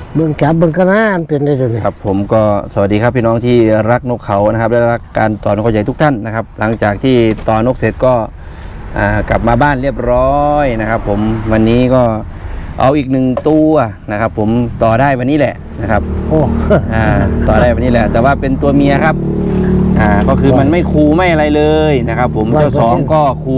เบิ่งจับเบิ่งกระนาเป็นได้เลยครับผมก็สวัสดีครับพี่น้องที่รักนกเขานะครับและรักการต่อนกเขาใหญ่ทุกท่านนะครับหลังจากที่ต่อนกเสร็จก็กลับมาบ้านเรียบร้อยนะครับผมวันนี้ก็เอาอีก1ตัวนะครับผมต่อได้วันนี้แหละนะครับโอ้ต่อได้วันนี้แหละแต่ว่าเป็นตัวเมียครับก็คือมันไม่คูไม่อะไรเลยนะครับผมเจ้า2ก็คู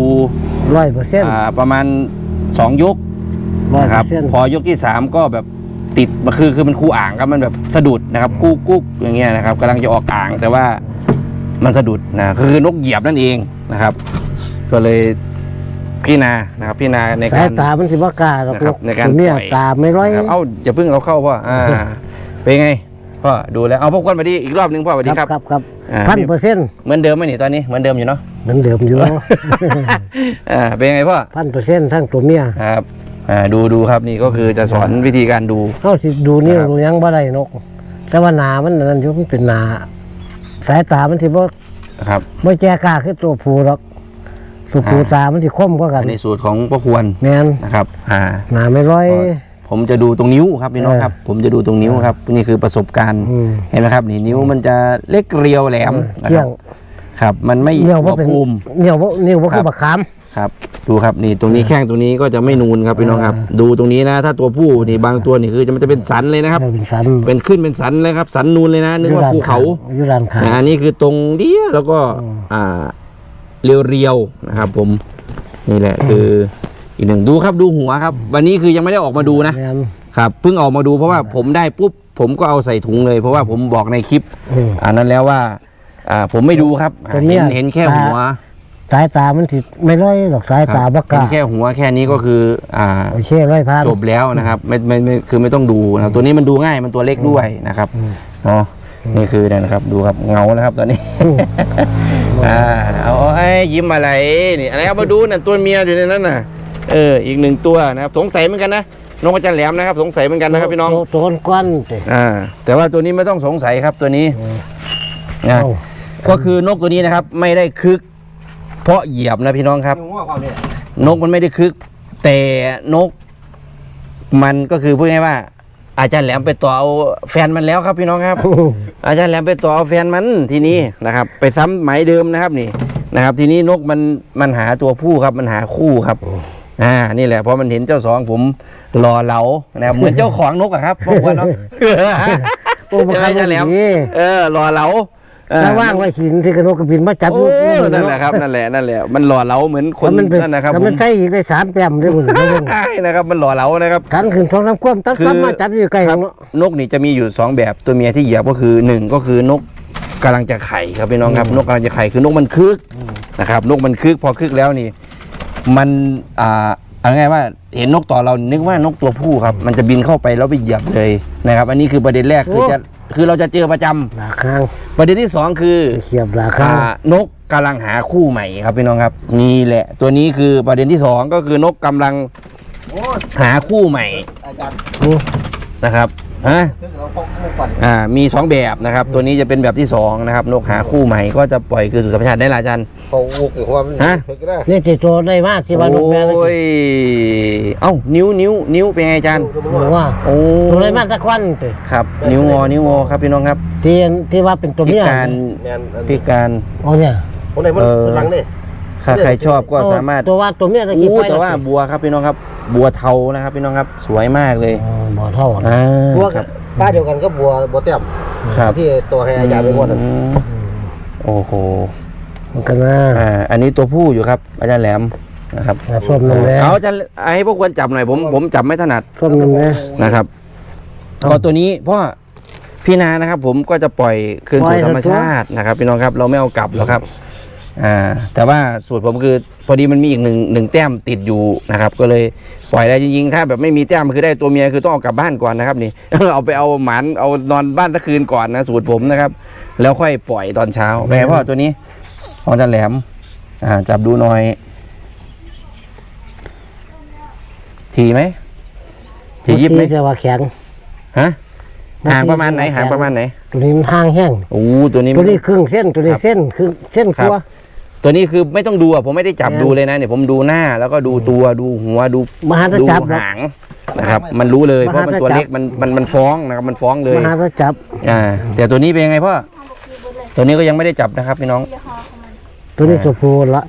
100% ประมาณ2ยกนะครับพอยกที่3ก็แบบติดคือมันคูอ่างครับมันแบบสะดุดนะครับกุ๊กอย่างเงี้ยนะครับกำลังจะออกอ่างแต่ว่ามันสะดุดนะคือนกเหยียบนั่นเองนะครับก็เลยพี่นานะครับพี่นาในการสายตามันสิบ่กล้าหรอกในการปล่อยตาไม่ร้อยเอาอย่าเพิ่งเอาเข้าพ่อเป็นไงพ่อดูแล้วเอาพวกคนมาดีอีกรอบนึงพ่อสวัสดีครับครับ1,000% เหมือนเดิมไหมนี่ตอนนี้เหมือนเดิมอยู่เนาะเหมือนเดิมอยู่เป็นไงพ่อ 1,000%ทั้งตัวเมียครับดูครับนี่ก็คือจะสอนวิธีการดูเขาสิดูนี่ดูยังบ่ได้นกแต่ว่าหนามันนั่นอยู่มันเป็นหนาสายตามันสิบ่ครับบ่แจกล้าคือตัวผู้หรอกตัวผู้ตามันสิคมกว่ากันในสูตรของพ่อควรแม่นนะครับหนาไม่ร้อยผมจะดูตรงนิ้วครับพี่น้องครับผมจะดูตรงนิ้วครับนี่คือประสบการณ์เห็นไหมครับนี่นิ้วมันจะเล็กเรียวแหลมนะครับครับมันไม่เหนียวว่าเป็นเหนียวว่าคือบักขามครับดูครับนี่ตรงนี้แข้งตรงนี้ก็จะไม่นูนครับพี่น้องครับดูตรงนี้นะถ้าตัวผู้นี่บางตัวนี่คือมันจะเป็นสันเลยนะครับเป็นขึ้นเป็นสันเลยครับสันนูนเลยนะนึกว่าภูเขาอันนี้คือตรงเดียวแล้วก็เรียวๆนะครับผมนี่แหละคืออีกหนึ่งดูครับดูหัวครับวันนี้คือยังไม่ได้ออกมาดูนะครับเพิ่งออกมาดูเพราะว่าผมได้ปุ๊บผมก็เอาใส่ถุงเลยเพราะว่าผมบอกในคลิปนั้นแล้วว่าผมไม่ดูครับเห็นแค่หัวสายตามันสิไม่ร้อยหรอกสายตาบักกะแค่หัวแค่นี้ก็คือโอเค100,000 จบแล้วนะครับไม่คือไม่ต้องดูนะตัวนี้มันดูง่ายมันตัวเล็กด้วยนะครับเนาะนี่คือนะครับดูครับเงานะครับตอนนี้เอายิ้มอะไรนี่อะไรเอามาดูนั่นตัวเมียอยู่ในนั้นน่ะอีก1ตัวนะครับสงสัยเหมือนกันนะนกอาจารย์แหลมนะครับสงสัยเหมือนกันนะครับพี่น้องตัวก้อนแต่ว่าตัวนี้ไม่ต้องสงสัยครับตัวนี้นะก็คือนกตัวนี้นะครับไม่ได้คึกเพราะเหยียบนะพี่น้องครับนกมันไม่ได้คึกแต่นกมันก็คือพูดง่ายว่าอาจารย์แหลมไปต่อเอาแฟนมันแล้วครับพี่น้องครับอาจารย์แหลมไปต่อเอาแฟนมันทีนี้นะครับไปซ้ำหมายเดิมนะครับนี่นะครับทีนี้นกมันหาตัวผู้ครับมันหาคู่ครับนี่แหละเพราะมันเห็นเจ้า2ผมรอเหลานะครับเหมือนเจ้าของนกอะครับพวกว่าเนาะอาจารย์แหลมรอเหลาถ้าว่างไว้หินที่กระโดดกระบินมาจับนั่นแหละครับนั่นแหละมันหล่อเหลาเหมือนคนนั่นนะครับมันใช่อีกได้3 แต้มด้วยคุณใช่นะครับมันหล่อเหลานะครับขันขึ้นท้องน้ำคว่ำตั้งมาจับอยู่ใกล้ของนกนี่จะมีอยู่2แบบตัวเมียที่เหยียบก็คือ1ก็คือนกกำลังจะไข่ครับพี่น้องครับนกกำลังจะไข่คือนกมันคึกนะครับนกมันคึกพอคึกแล้วนี่มันเอาง่ายว่าเห็นนกต่อเรานึกว่านกตัวผู้ครับมันจะบินเข้าไปแล้วไปเหยียบเลยนะครับอันนี้คือประเด็นแรกคือเราจะเจอประจำประเด็นที่2คือเขียบราคานกกำลังหาคู่ใหม่ครับพี่น้องครับนี่แหละตัวนี้คือประเด็นที่2ก็คือนกกำลังหาคู่ใหม่นะครับมี2แบบนะครับตัวนี้จะเป็นแบบที่2นะครับนกหาคู่ใหม่ก็จะปล่อยคือสู่ธรรมชาติได้หลายจันเขาอุกหรือว่านี่ติดตัวได้มากที่ว่านกแม่โอ้ยนิ้วเป็นไงจันว่าตัวได้มากสักวันครับนิ้วงอครับพี่น้องครับที่ว่าเป็นตัวเมียพิการอ๋อเนี่ยโอ้ไหนมันสุดหลังเนี่ยถ้าใครชอบก็สามารถตัวเมียตะกี้ไปแต่ว่าบัวครับพี่น้องครับบัวเทานะครับพี่น้องครับสวยมากเลยบัวเทาบัวป้าเดียวกันก็บัวเต็มที่ตัวให้อาจารย์ไปหมดโอ้โหมันกันนะอันนี้ตัวผู้อยู่ครับอาจารย์แหลมนะครับส้มนึงเลยเอาอาจารย์ให้พวกควรจับหน่อยผมจับไม่ถนัดส้มนึงเลยนะครับก็ตัวนี้เพราะพี่นานะครับผมก็จะปล่อยคืนสู่ธรรมชาตินะครับพี่น้องครับเราไม่เอากลับหรอกครับแต่ว่าสูตรผมคือพอดีมันมีอีกหนึ่งแต้มติดอยู่นะครับก็เลยปล่อยได้จริงๆถ้าแบบไม่มีแต้มคือได้ตัวเมียคือต้องเอากลับบ้านก่อนนะครับนี่ เอาไปเอาหมันเอานอนบ้านตะคืนก่อนนะสูตรผมนะครับแล้วค่อยปล่อยตอนเช้าแม่พ่อตัวนี้ของจันแหลมจับดูหน่อยทีไหมทียิบไหมจะว่าแข็งห่างประมาณไหนห่างประมาณไหนตัวนี้มันห่างแห้งตัวนี้ครึ่งเส้นตัวนี้เส้นคือเส้นกลัวตัวนี้คือไม่ต้องดูอ่ะผมไม่ได้จับดูเลยนะเนี่ยผมดูหน้าแล้วก็ดูตัวดูหัวดูมหาดูจับหางนะครับมันรู้เลยเพราะมันตัวเล็กมันฟ้องนะครับมันฟ้องเลยมหาจับแต่ตัวนี้เป็นยังไงพ่อตัวนี้ก็ยังไม่ได้จับนะครับพี่น้องตัวนี้ตัวผู้ละ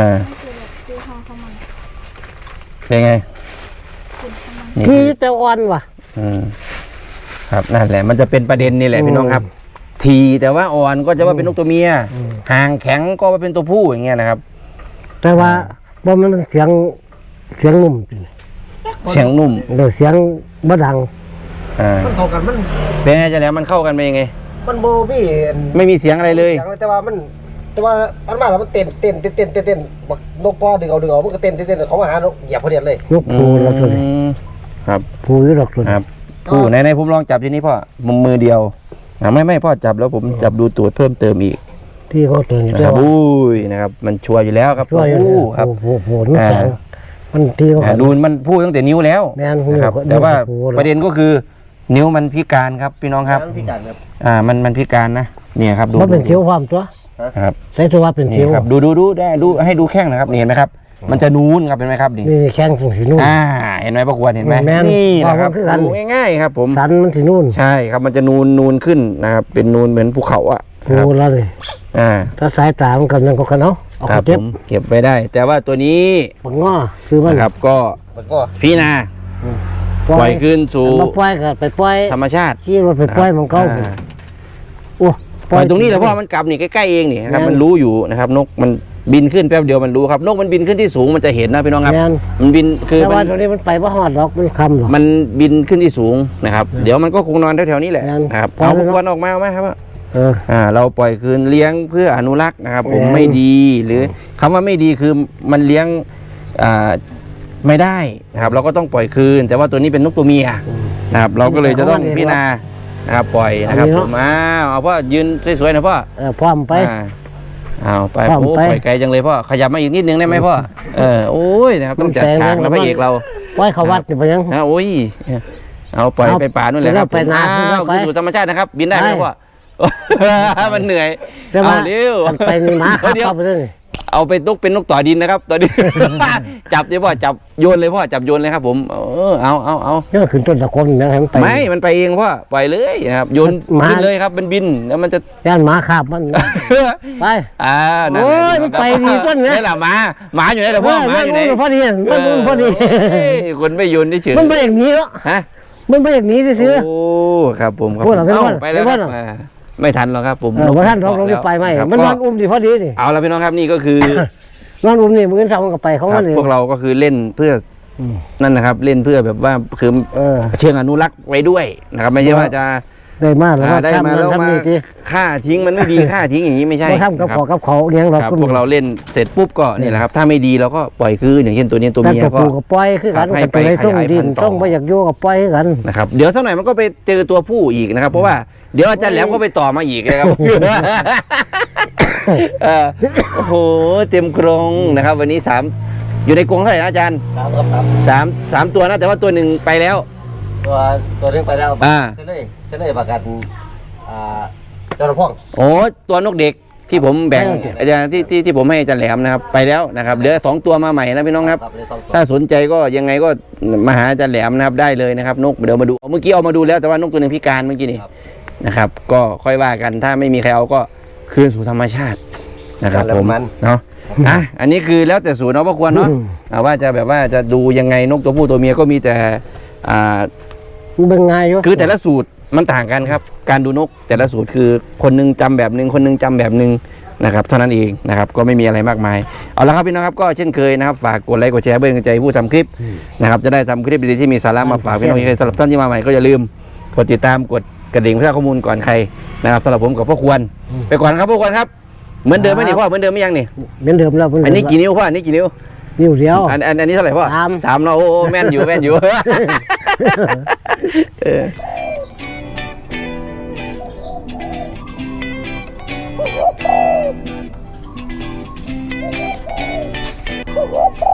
เป็นไงนี่ที่แต่อ่อนว่ะครับนั่นแหละมันจะเป็นประเด็นนี่แหละพี่น้องครับ ทีแต่ว่าอ่อนก็จะว่าเป็นนกตัวเมียหางแข็งก็ว่าเป็นตัวผู้อย่างเงี้ยนะครับแต่ว่าบ่มันเสียงนุ่มเสียงนุ่มเดี๋ยวเสียงบ่ดังมันเข้ากันมันเป็นไงจะแล้วมันเข้ากันไปยังไงมันโบพี่ไม่มีเสียงอะไรเลยแต่ว่าอันมาแล้วมันเต้นบักนกกอดึงเอามันก็เต้นเขามาหานกเหยียบพอดีเลยนกผู้ละตัวนี้ครับผู้อยู่ดอกตัวคนี้รับผู้ไหนผมลองจับทีนี้พ่อมือเดียวไม่พ่อจับแล้วผมจับดูตูดเพิ่มเติมอีกที่เขาตัวนี้นะครับอุ้ยนะครับมันชัวร์อยู่แล้วครับช่วยอยู่ผู้ครับโอ้นี่แข็งมันที่เขาดูมันพูดตั้งแต่นิ้วแล้วแม่นนะครับนิ้วก็แต่ว่านิ้วก็พูดประเด็นก็คือนิ้วมันพิการครับพี่น้องครับพี่การครับมันพิการนะเนี่ยครับดูมันเป็นเขียวความตัวครับใส่ตัวว่าเป็นเขีนี่ยวครับดูได้ดูให้ดูแข้งนะครับนี่เห็นไหมครับ มันจะนูนครับเห็นไหมครับนี่นี่แข้งตรงสีนุ่นเห็นไหมประกวดเห็นไหมแม่นนี่นะครับว่ามันคือกันดูง่ายๆครับผมสันมันสีนุ่นใช่ครับมันจะนูนขึ้นนะครับเป็นนูนเหมือนภูเขาอ่ะครับผู้ละเลยอ่าถ้าสายตามันกำลังก็กันเอาเอาครับเจ็ผบมเก็บไปได้ แต่ว่าตัวนี้ปังง้อคือมันนะครับก็มันก็พี่นาปล่อยคืนสู่มาปล่อยก็ไปปล่อยธรรมชาติขี่รถไปปล่อยมันก็อ่าโอ้ปล่อยตรงนี้แหละเพราะมันกลับนี่ใกล้ๆเองนี่นะครับแม่นมันรู้อยู่นะครับนกมันบินขึ้นแป๊บเดียวมันรู้ครับนกมันบินขึ้นที่สูงมันจะเห็นนะพี่น้องครับแม่นมันบินคือแต่มัว่าน ตัวนี้มันไปบ่ฮอดดอกมันคำหรอกมันบินขึ้นที่สูงนะครับ เดี๋ยวมันก็คงนอนแถวๆนี้แหละแม่นนะครับพอเอาแล้วพวกออกมาครับเออเราปล่อยคืนเลี้ยงเพื่ออนุรักษ์นะครับ ผมแม่นไม่ดีหรือคำว่าไม่ดีคือมันเลี้ยงอ่าไม่ได้นะครับ เราก็ต้องปล่อยคืน แต่ว่าตัวนี้เป็นนกตัวเมียนะครับ เราก็เลยจะต้องพิจารณานะครับปล่อยนะครับผมเอาพ่อยืนสวยๆนะพ่อพร้อมไปเอาไปพร้อมโอ้ไปปล่อยไกลจังเลยพ่อขยับมาอีกนิดนึงได้ไหมพ่อโอ้ยนะครับต้องจัดฉากแล้วพระเอกเราปล่อยเขาวัดนี่ไปยังโอ้ยเอาปล่อยเอาไปป่านู่นเลยครับไปนาอ้าวไปขึ้นสู่ธรรมชาตินะครับ บินได้ไหมได้พ่อ มันเหนื่อยแต่ว่าเอาเร็วมันไปนี่หมาขับเดี๋ยวเข้าไปเลยเอาไปตุกเป็นนกต่อดินนะครับต่อดิน จับเลยพ่อจับโยนเลยพ่อจับโยนเลยครับผมเอานี่ขึ้นต้นตะกอนนะให้มันไปไม่มันไปเองพ่อปล่อยเลยนะครับโยนหมาขึ้นเลยครับมันบินแล้วมันจะย่านหมาขับมันไปนั่นโอ้ยแหละมันไปดีต้นเนี่ยนี่แหละหมาอยู่ไหนล่ะพ่อหมาอยู่ไหนมันพอดีมันพอดีเอ้ยคนไม่โยนเฉยมันไปอย่างนี้แล้วฮะมันไปอย่างนี้ซื้อโอ้ครับผมครับพูดเหรอเอ้าพูดเหรอไปแล้วพูคดรับเหรอไม่ทันหรอกครับผมว่าท่านเราได้ไปไหมครับมันก็นอนอุ้มดีพอดีนี่เอาละพี่น้องครับนี่ก็คือนอนอุ้มนี่มือเสามันก็ไปของครัมับนเองพวกเราก็คือเล่นเพื่ออนั่นนะครับ เล่นเพื่อแบบว่าคือ เชิงอนุรักษ์ไว้ด้วยนะครับไม่ใช่ว่าจะได้มากแล้วได้มาแล้วมาทำนี่ทีฆ่าทิ้งมันไม่ดี ฆ่าทิ้งอย่างนี้ไม่ใช่บ่ทำกับนะคขรัอบ กับเขาเลี้ยงเราครับพวกเราเล่นเสร็จปุ๊บก็นี่แหละครับ ถ้าไม่ดีเราก็ปล่อยคืนอย่างเช่นตัวนี้ตัวแต่เมียตัวก็ปูกับปล่อยคือกันให้กับไปตัวในช่องขยายดิพันนธุ์ต่อช่องบ่อยากโยกับปล่อยคือกันนะครับเดี๋ยวสักหน่อยมันก็ไปเจอตัวผู้อีกนะครับเพราะว่าเดี๋ยวอาจารย์แหลมก็ไปต่อมาอีกนะครับ โอ้โหเต็มกรงนะครับ วันนี้3อยู่ในกรงเท่าไหร่นะอาจารย์ครับสามตัวนะแต่ว่าตัวหนึ่งไปแล้วตัวเรื่องไปแล้วอ่าจะเลยประกันเจ้าหน้าพ่องโอ้ตัวนกเด็กที่ผมแบ่งอาจารย์ที่ผมให้อาจารย์แหลมนะครับไปแล้วนะครับเหลือ2ตัวมาใหม่นะพี่น้องครับเลยสองตัวถ้าสนใจก็ยังไงก็มาหาอาจารย์แหลมนะครับได้เลยนะครับ นกเดี๋ยวมาดูเมื่อกี้เอามาดูแล้วแต่ว่านกตัวหนึ่งพิการเมื่อกี้นี่นะครับ ก็ค่อยว่ากันถ้าไม่มีใครเอาก็คืนสู่ธรรมชาตินะครับผมเนาะอันนี้คือแล้วแต่สูตรเนาะพ่อควรเนาะว่าจะแบบว่าจะดูยังไงนกตัวผู้ตัวเมียก็มีแต่มันเป็นไงอยู่คือแต่ละสูตรมันต่างกันครับ การดูนกแต่ละสูตรคือคนหนึงจำแบบหนึ่งคนหนึงจำแบบหนึ่งนะครับเท่านั้นเองนะครับก็ไม่มีอะไรมากมายเอาละครับพี่น้องครับก็เช่นเคยนะครับฝากกดไลค์กดแชร์เพื่อเป็นกำลังใจผู้ทำคลิปนะครับจะได้ทำคลิปดีๆที่มีสาระมาฝากพี่น้องอีกสำหรับท่านที่มาใหม่ก็อย่าลืมกดติดตามกดกระดิ่งเพื่อข้อมูลก่อนใครนะครับสำหรับผมกับพ่อควรไปก่อนครับพ่อควรครับเหมือนเดิมไหมนี่พ่อเหมือนเดิมไหมยังนี่เหมือนเดิมแล้วอันนี้กี่นิ้วพ่ออันนี้กี่นิ้วนิ้วเดียวอันนี้เท่าไหร่พ่อ 3 3เนาะโอ้แม่นอยู่แม่นอยู่ What?